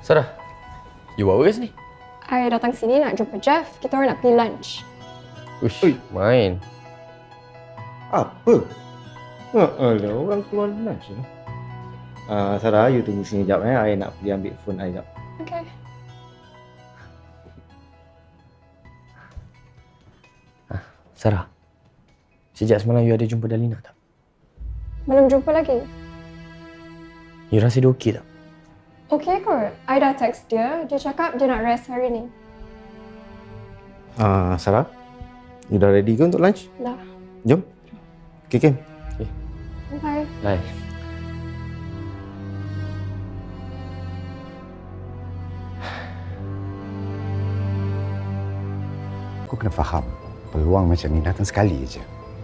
Sarah, you buat apa kat sini? I datang sini nak jumpa Jeff. Kita orang nak pergi lunch. Uish, main. Apa? Alah, orang keluar lunch ni. Sarah, you tunggu sini sekejap I nak pergi ambil phone I sekejap. Okay. Sarah, sejak semalam you ada jumpa Dalina tak? Belum jumpa lagi. You rasa dia okey tak? Okay kot. I dah text dia. Dia cakap dia nak rest hari ni. Sarah, you dah ready ke untuk lunch? Dah. Jom. Okay, Kim. Bye. Bye. Aku kena faham, peluang macam ni datang sekali je.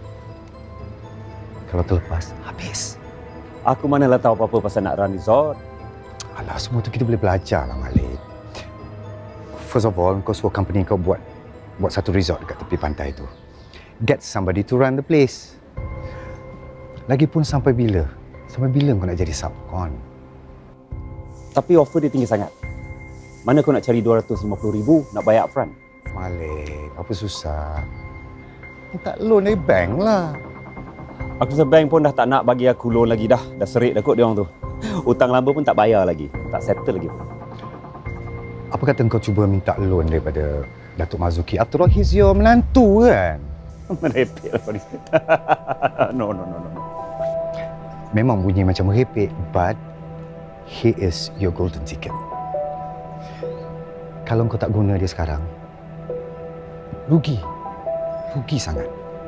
Kalau terlepas, habis. Aku manalah tahu apa-apa pasal nak run resort. Alah, semua tu kita boleh belajar lah, Malik. First of all, kau suruh company kau buat satu resort dekat tepi pantai tu. Get somebody to run the place. Lagipun sampai bila? Sampai bila kau nak jadi subcon? Tapi offer dia tinggi sangat. Mana kau nak cari 250,000 nak bayar upfront? Malik, apa susah? Minta loan dari bank lah. Aku rasa bank pun dah tak nak bagi aku loan lagi dah. Dah serik dah kot dia orang tu. Hutang lama pun tak bayar lagi. Tak settle lagi. Apa kata kau cuba minta loan daripada Datuk Marzuki? After all, he's your menantu kan? Merepek lah kau ni. No. Memang bunyi macam merepek, but he is your golden ticket. Kalau kau tak guna dia sekarang, rugi sangat.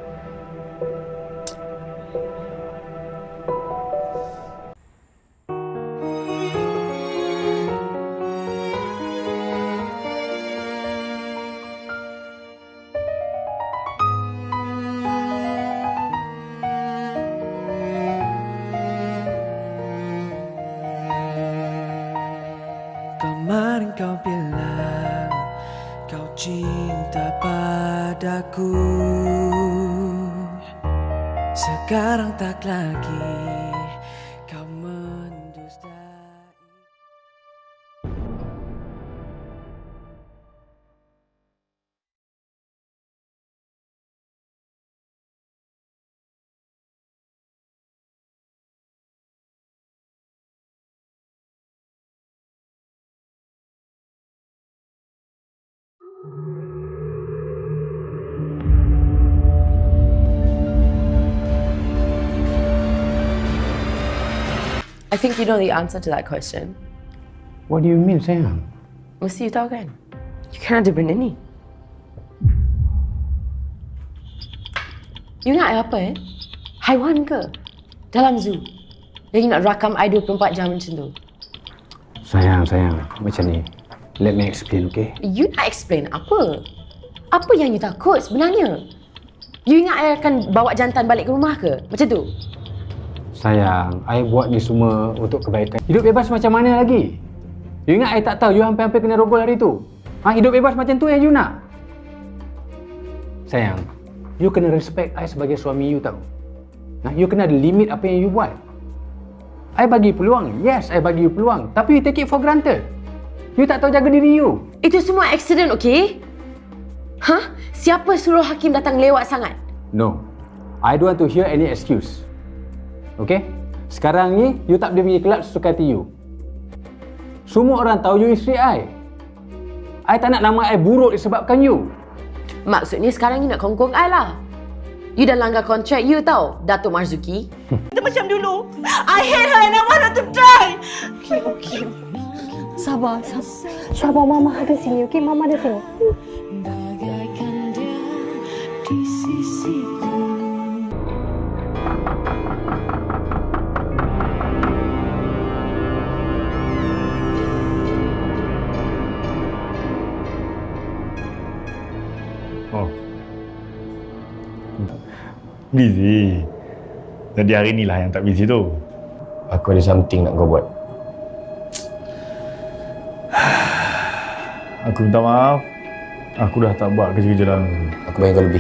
Kemarin kau bilang kau cinta padaku, sekarang tak lagi, kau mendustai. I think you know the answer to that question. What do you mean, sayang? Mesti you tahu kan? You kan ada benda ni. You nak apa Haiwan ke? Dalam zoo. Lagi nak rakam I 24 jam macam tu. Sayang, macam ni. Let me explain, okay? You nak explain apa? Apa yang you takut sebenarnya? You ingat I akan bawa jantan balik ke rumah ke? Macam tu? Sayang, I buat ni semua untuk kebaikan. Hidup bebas macam mana lagi? You ingat I tak tahu you hampir-hampir kena rogol hari tu? Hidup bebas macam tu yang you nak? Sayang, you kena respect I sebagai suami you tahu. You kena ada limit apa yang you buat. I bagi peluang. Yes, I bagi you peluang. Tapi you take it for granted. You tak tahu jaga diri you. Itu semua accident, okay? Siapa suruh Hakim datang lewat sangat? No. I don't want to hear any excuse. Okay? Sekarang ni, you tak boleh pergi kelab sesuka hati you. Semua orang tahu you isteri I. I tak nak nama I buruk disebabkan you. Maksudnya sekarang you nak kongkong I lah. You dah langgar kontrak you tau, Datuk Marzuki. Dia macam dulu. I hate her and I want her to die. Okay. Sabar. Mama ada sini, okay? Mama ada sini. Bagaikan dia di sisiku. Busy. Jadi hari ni lah yang tak busy tu. Aku ada something nak kau buat. Aku minta maaf. Aku dah tak buat kerja-kerja dalam. Aku bayar kau lebih.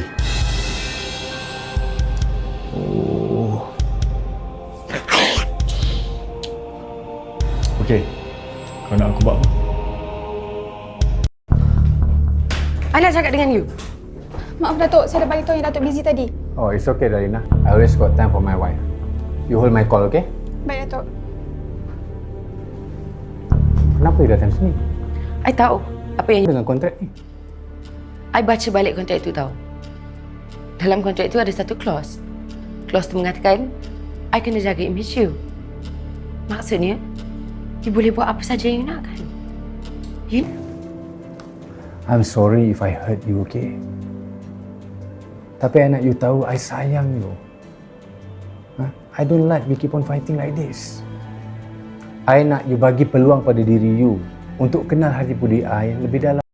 Okey. Kau nak aku buat apa? I nak cakap dengan you. Maaf Datuk, saya dah bagi tahu yang Datuk busy tadi. Oh, it's okay, Darina. I always got time for my wife. You hold my call, okay? Baik Datuk. Kenapa you datang sini? I tahu apa yang Dengan kontrak ni. I baca balik kontrak itu tahu. Dalam kontrak itu ada satu clause. Clause tu mengatakan I kena jaga image you. Maksudnya, you boleh buat apa saja yang you nak kan? You I'm sorry if I hurt you, okay? Tapi I nak you tahu, I sayang you. I don't like we keep on fighting like this. I nak you bagi peluang pada diri you untuk kenal hati budi I lebih dalam.